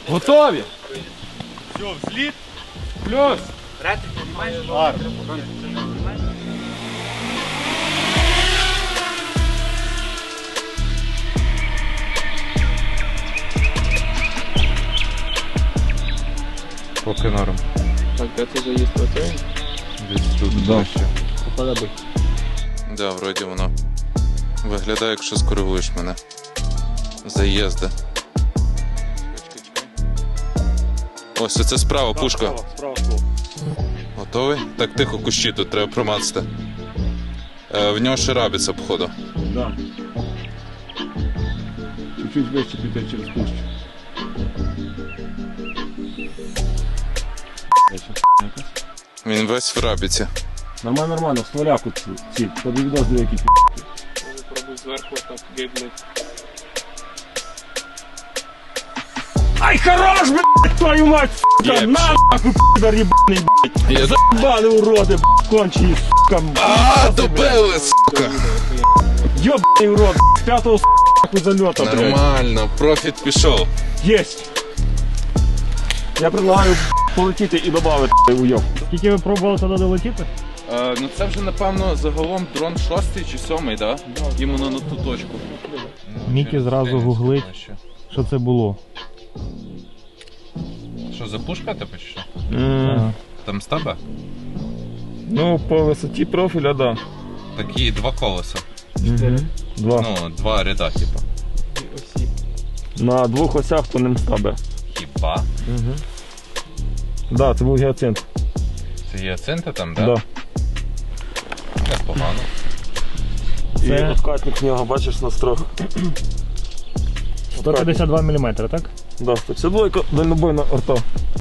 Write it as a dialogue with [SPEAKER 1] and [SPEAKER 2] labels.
[SPEAKER 1] Готові?
[SPEAKER 2] Все, взліт.
[SPEAKER 1] Плюс.
[SPEAKER 3] Поки норм.
[SPEAKER 1] Так, де це заїзд готовий?
[SPEAKER 3] Десь тут ближче.
[SPEAKER 1] Попадай.
[SPEAKER 3] Да, вроді воно виглядає, якщо скоригуєш мене. Заїзди. Ось оце справа пушка.
[SPEAKER 2] Справа.
[SPEAKER 3] Готовий? Так тихо, кущі тут треба промацати. В нього ще рабиться, походу.
[SPEAKER 1] Да. Чуть-чуть вище піти через пущу.
[SPEAKER 3] Він весь в рабіці.
[SPEAKER 1] Нормально, нормально, в стволяку ці. Тобі відозві, які пробуй зверху так гиблять. Ай, хорош, блядь, твою мать, сука!
[SPEAKER 3] Є,
[SPEAKER 1] На нахуй, пидор ебаний, блядь! Заебали уроди, блядь, кончені, сука!
[SPEAKER 3] Добили, сука!
[SPEAKER 1] Ёбаний урод, з п'ятого, сука, зальота, блядь!
[SPEAKER 3] Нормально, профіт пішов.
[SPEAKER 1] Єсть! Я предлагаю полетіти і додати уйоб. Скільки ви пробували тоді долетіти?
[SPEAKER 3] Ну це вже, напевно, загалом дрон 6 чи 7, да? Іменно на ту точку.
[SPEAKER 4] Мікі зразу гуглить, що це було.
[SPEAKER 3] Що, за пушка тебе чи що? Там з тебе?
[SPEAKER 1] Ну, по висоті профіля, да.
[SPEAKER 3] Такі два колеса.
[SPEAKER 1] Два.
[SPEAKER 3] Ну, два ряда, типу.
[SPEAKER 1] На двох осях по ним стабе.
[SPEAKER 3] Хіба?
[SPEAKER 1] Да, це був гіацинт.
[SPEAKER 3] Це гіацинти там, да?
[SPEAKER 1] Да.
[SPEAKER 3] Непогано.
[SPEAKER 1] І откатник в нього, бачиш, на строх.
[SPEAKER 4] 152 мм, так?
[SPEAKER 1] Да, 152 дальнобойна орта.